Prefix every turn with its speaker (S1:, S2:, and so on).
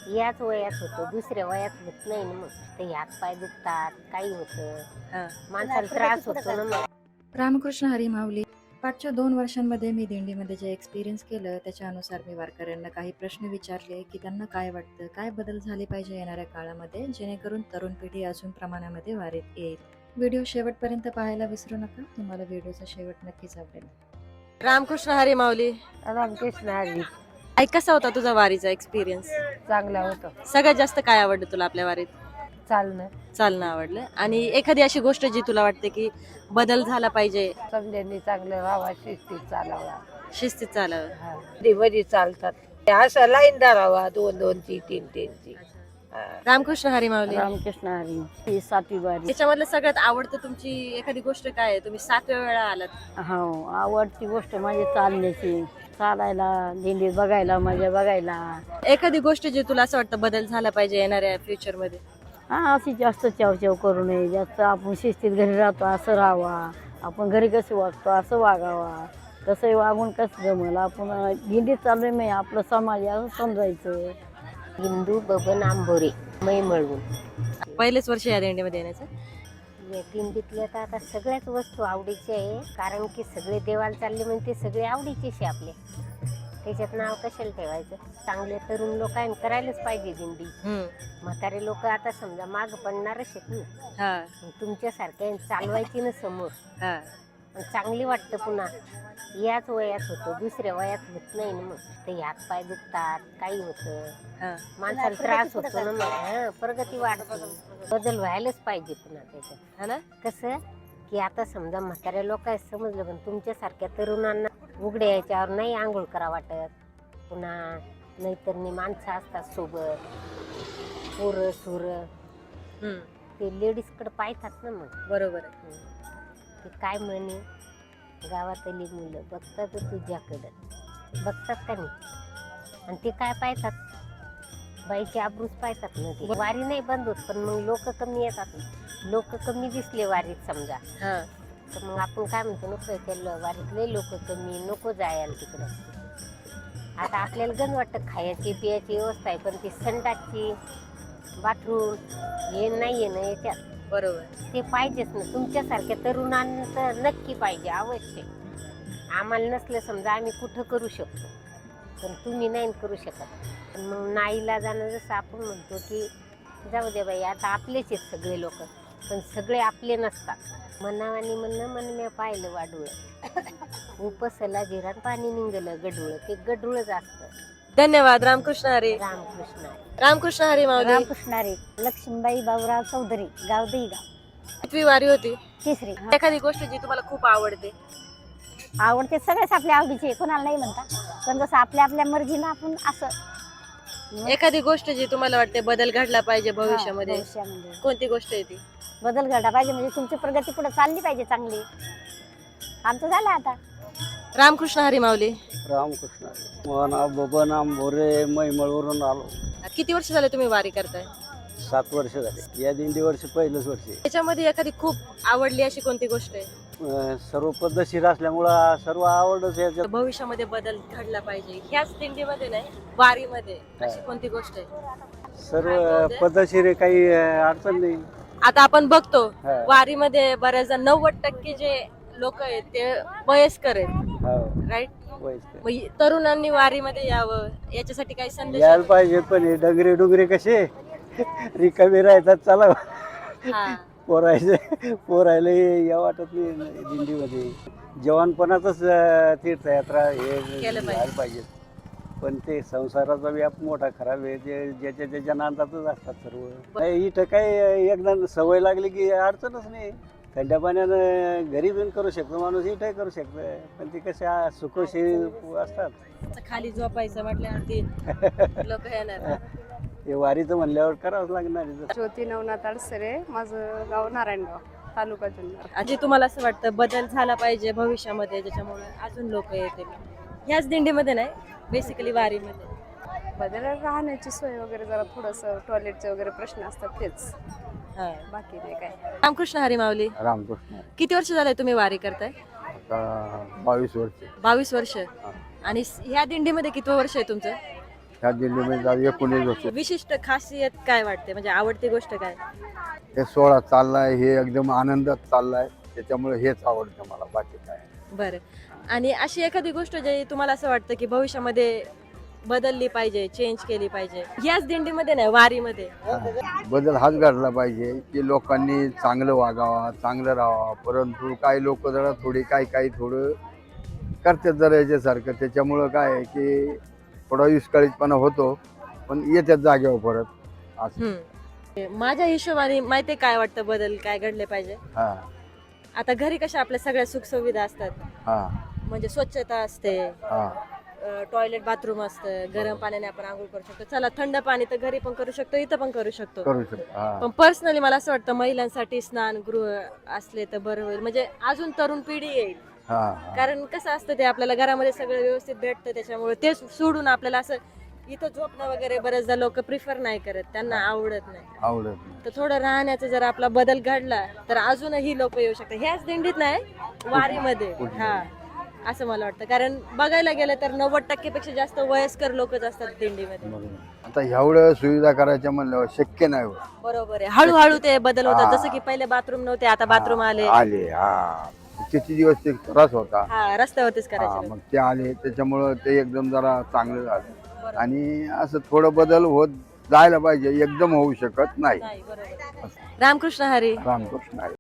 S1: याच वयात होतं, दुसऱ्या वयात होत नाही ना. मग ते हात पाय दुखतात, काही होतं, माणसाला त्रास होतो ना. मग
S2: रामकृष्ण हरी माऊली. पाठच्या 2 वर्षांमध्ये मी दिंडीमध्ये जे एक्सपिरियन्स केलं त्याच्यानुसार मी वारकऱ्यांना काही प्रश्न विचारले की त्यांना काय वाटतं, काय बदल झाले पाहिजे येणाऱ्या काळामध्ये जेणेकरून तरुण पिढी अजून प्रमाणामध्ये वारीत येईल. व्हिडिओ शेवटपर्यंत पाहायला विसरू नका, तुम्हाला व्हिडिओचा शेवट नक्कीच आवडेल.
S3: रामकृष्ण हरी माऊली.
S1: रामकृष्ण हरी.
S3: आई, कसा होता तुझा वारीचा एक्सपिरियन्स?
S1: चांगला होतं.
S3: सगळ्यात जास्त काय आवडलं तुला आपल्या वारीत?
S1: चालणं.
S3: चालणं आवडलं. आणि एखादी अशी गोष्ट जी तुला वाटते की बदल झाला पाहिजे?
S1: समजांनी चांगलं राहावा, शिस्तीत चालावा.
S3: शिस्तीत चालावं.
S1: मध्ये चालतात असं लाईन धरावा, 2-2ची 3-3ची.
S3: रामकृष्ण हरी माऊली.
S1: रामकृष्ण हरी. ही 7वी वारी.
S3: त्याच्यामधलं सगळ्यात आवडतं तुमची एखादी गोष्ट काय आहे? तुम्ही 7व्या वेळा आलात.
S1: हो, आवडती गोष्ट माझी चालण्याची, चालायला, दिंडीत बघायला, मजा बघायला.
S3: एखादी गोष्ट जी तुला असं वाटतं बदल झाला पाहिजे येणाऱ्या फ्युचर मध्ये?
S1: हा, अशी जास्त चावचाव करू नये. जास्त आपण शिस्तीत घरी राहतो असं राहावा, आपण घरी कसं वागतो असं वागावा. कसं वागून कसं जमलं, आपण दिंडीत चाललोय नाही, आपलं समाज असं समजायचं. हिंदू बबन आंबोरे, मै मिळवून.
S3: पहिलेच वर्ष या दिंडीमध्ये येण्याचं?
S1: दिंडीतल्या तर आता सगळ्याच वस्तू आवडीच्या आहे, कारण की सगळे देवाला चालले म्हणजे ते सगळे आवडीचेच आहे आपले. त्याच्यात नाव कशाला ठेवायचं. चांगले तरुण लोक आहे, करायलाच पाहिजे दिंडी. म्हातारे लोक आता समजा माग पडणारच आहेत ना. तुमच्यासारख्या चालवायची ना समोर. चांगली वाटतं. पुन्हा याच वयात होतं, दुसऱ्या वयात होत नाही ना. मग ते हात पाय दुखतात, काही होतं, माणसाला त्रास होतो ना. मग प्रगती वाढते, बदल व्हायलाच पाहिजे पुन्हा त्याच्यात. कसं की आता समजा म्हाताऱ्या लोक आहेत समजलं, पण तुमच्यासारख्या तरुणांना उघड्या याच्यावर नाही आंघोळ करा वाटत. पुन्हा नैतरणी माणसं असतात सोबत, पोरं सुरं, ते लेडीजकडे पाहतात ना. मग
S3: बरोबर.
S1: ते काय म्हणे, गावातली मुलं बघतात तुझ्याकडं, बघतात का नाही, आणि ते काय पाहतात, बाईची आबरूच पाहतात ना. ते वारी नाही बंद होत, पण मग लोक कमी येतात. लोक कमी दिसले वारीत समजा, तर मग आपण काय म्हणतो, नको केलं वारीत, लय लोक कमी, नको जायला तिकडं. आता आपल्याला गण वाटतं खायची पियाची व्यवस्था आहे, पण ती संडासची, बाथरूम हे नाही आहे ना याच्यात.
S3: बरोबर.
S1: ते पाहिजेच ना. तुमच्यासारख्या तरुणांना तर नक्की पाहिजे, अवश्य. आम्हाला नसलं समजा आम्ही कुठं करू शकतो, पण तुम्ही नाही करू शकत. पण मग नाईला जाणं, जसं आपण म्हणतो की जाऊ दे बाई, आता आपलेच आहेत सगळे लोक, पण सगळे आपले नसतात. मनावानी म्हणणं मन मी पाहिलं वाडूळ, उपसला जिरान पाणी निघलं गडूळ, ते गडूळच असतं.
S3: धन्यवाद. रामकृष्ण हरी.
S1: रामकृष्ण हरी.
S3: रामकृष्ण हरी माऊली.
S1: रामकृष्ण हरी. लक्ष्मीबाई बाबूराव चौधरी, गाव दहीगाव.
S3: कितवी वारी होती?
S1: 3री.
S3: एखादी गोष्ट जी तुम्हाला खूप आवडते?
S1: आवडते, सगळेच आपल्या आवडीचे, कोणाला नाही म्हणता, पण जसं आपल्या आपल्या मर्जीनं आपण असं.
S3: एखादी गोष्ट जी तुम्हाला वाटते बदल घडला पाहिजे भविष्यामध्ये?
S1: भविष्यामध्ये
S3: कोणती गोष्ट आहे ती?
S1: बदल घडला पाहिजे म्हणजे तुमची प्रगती पुढे चालली पाहिजे चांगली. आमचं झालं आता.
S3: रामकृष्ण हरी माऊली.
S4: रामकृष्ण. मोहना बबन आंबोरे, मैमळवरून आलो.
S3: किती वर्ष झाले तुम्ही वारी करताय?
S4: 7 वर्ष झाले. या दिंडी वर्ष पहिलंच वर्ष आहे.
S3: त्याच्यामध्ये एखादी खूप आवडली अशी कोणती गोष्ट आहे?
S4: सर्व पद्धतशीर असल्यामुळं सर्व आवडच याच्यात.
S3: भविष्यामध्ये बदल घडला पाहिजे ह्याच दिंडीमध्ये नाही, वारीमध्ये अशी कोणती गोष्ट आहे?
S4: सर्व पद्धतशीर आहे, काही अडचण नाही.
S3: आता आपण बघतो
S4: हा.
S3: वारीमध्ये बऱ्याचदा 90% जे लोक आहेत ते वयस्कर आहेत,
S4: हो,
S3: राईट?
S4: वयस्कर.
S3: मग तरुणांनी वारीमध्ये यावं याच्यासाठी काही संदेश
S4: यायला पाहिजे, पण हे डगरे डुगरे कसे रिकामे राहतात. चला
S3: हा.
S4: पोरायला या वाटत नाही दिंडीमध्ये. जवानपणातच तीर्थयात्रा हे
S3: केलं
S4: व्हायला पाहिजे. पण ते संसाराचा व्याप मोठा खराब आहे, जे ज्याच्या त्याच्या नांदातच असतात सर्व. नाही, इथं काही एकदा सवय लागली की अडचणच नाही. थंड्या पाण्यानं घरी बिन करू शकतो माणूस, इथंही करू शकतो, पण ती कसे सुखोशी असतात.
S3: खाली झोपायचं म्हटल्यावरती लोक येणार.
S4: हे वारीचं म्हणल्यावर करावंच लागणार.
S5: ज्योती नवनाथ अडसरे, माझं गाव नारायणगाव, तालुका जुन्नर.
S3: आजी, तुम्हाला असं वाटतं बदल झाला पाहिजे भविष्यामध्ये ज्याच्यामुळे अजून लोक येतील ह्याच दिंडीमध्ये नाही, बेसिकली वारीमध्ये?
S5: बदल राहण्याची सोय वगैरे, जरा थोडंसं टॉयलेटचे वगैरे प्रश्न असतात, तेच, बाकी नाही काय.
S3: रामकृष्ण हरी माऊली.
S6: रामकृष्ण.
S3: किती वर्ष झाले तुम्ही वारी करताय?
S6: आता 22 वर्ष.
S3: 22 वर्ष. आणि ह्या दिंडीमध्ये किती वर्ष आहे तुमचं?
S6: ह्या दिंडीमध्ये आज 19 वर्ष
S3: विशिष्ट खासियत काय वाटते, म्हणजे आवडती गोष्ट काय?
S6: हे सोहळा चाललाय, हे एकदम आनंदात चाललाय, त्याच्यामुळे हेच आवडतं मला, बाकी काय
S3: बरं. आणि अशी एखादी गोष्ट जे तुम्हाला असं वाटतं की भविष्यामध्ये बदलली पाहिजे, चेंज केली पाहिजे, याच दिंडीमध्ये नाही वारीमध्ये?
S6: बदल हाच घडला पाहिजे की लोकांनी चांगलं वागावा, चांगलं राहावं. परंतु काही लोक जरा थोडी काही थोडं करतात जरा याच्यासारखं, त्याच्यामुळं काय आहे की थोडा विस्कळीतपणा होतो, पण येतात जागेवर परत असं.
S3: माझ्या हिशोबाने माहिती काय वाटतं बदल काय घडले पाहिजे?
S6: हा
S3: आता घरी कशा आपल्या सगळ्या सुखसुविधा असतात,
S6: हा
S3: म्हणजे स्वच्छता असते,
S6: हा
S3: टॉयलेट बाथरूम असतं, गरम पाण्याने आपण आंघोळ करू शकतो. चला थंड पाणी तर घरी पण करू शकतो, इथं पण करू शकतो.
S6: करू शकतो. हा
S3: पण पर्सनली मला असं वाटतं महिलांसाठी स्नानगृह असले तर बरं होईल, म्हणजे अजून तरुण पिढी येईल.
S6: हा हा.
S3: कारण कसं असतं ते आपल्याला घरामध्ये सगळं व्यवस्थित भेटतं, त्याच्यामुळे ते सोडून आपल्याला असं इथं झोपणं वगैरे बरेचदा लोक प्रिफर नाही करत, त्यांना आवडत नाही.
S6: आवडत नाही.
S3: तर थोडं राहण्याचा जर आपला बदल घडला तर अजूनही लोक येऊ शकतात, ह्याच दिंडीत नाही वारीमध्ये. हा, असं मला वाटतं. कारण बघायला गेलं तर 90% पेक्षा जास्त वयस्कर लोकच असतात दिंडीमध्ये.
S6: बरोबर. आता एवढं सुविधा करायच्या म्हणल्यावर शक्य नाही होत.
S3: बरोबर आहे, हळूहळू ते बदल होतात.
S6: हा.
S3: जसं की पहिले बाथरूम नव्हते, आता बाथरूम आले.
S6: आले. हा, किती दिवस ते त्रास होता.
S3: हा, रस्त्यावरतीच
S6: हा,
S3: करायचे.
S6: मग ते आले, त्याच्यामुळं ते एकदम जरा चांगलं झालं.
S3: बरोबर.
S6: आणि असं थोडं बदल होत जायला पाहिजे, एकदम होऊ शकत नाही.
S3: नाही, बरोबर. रामकृष्ण हरी.
S6: रामकृष्ण आहे.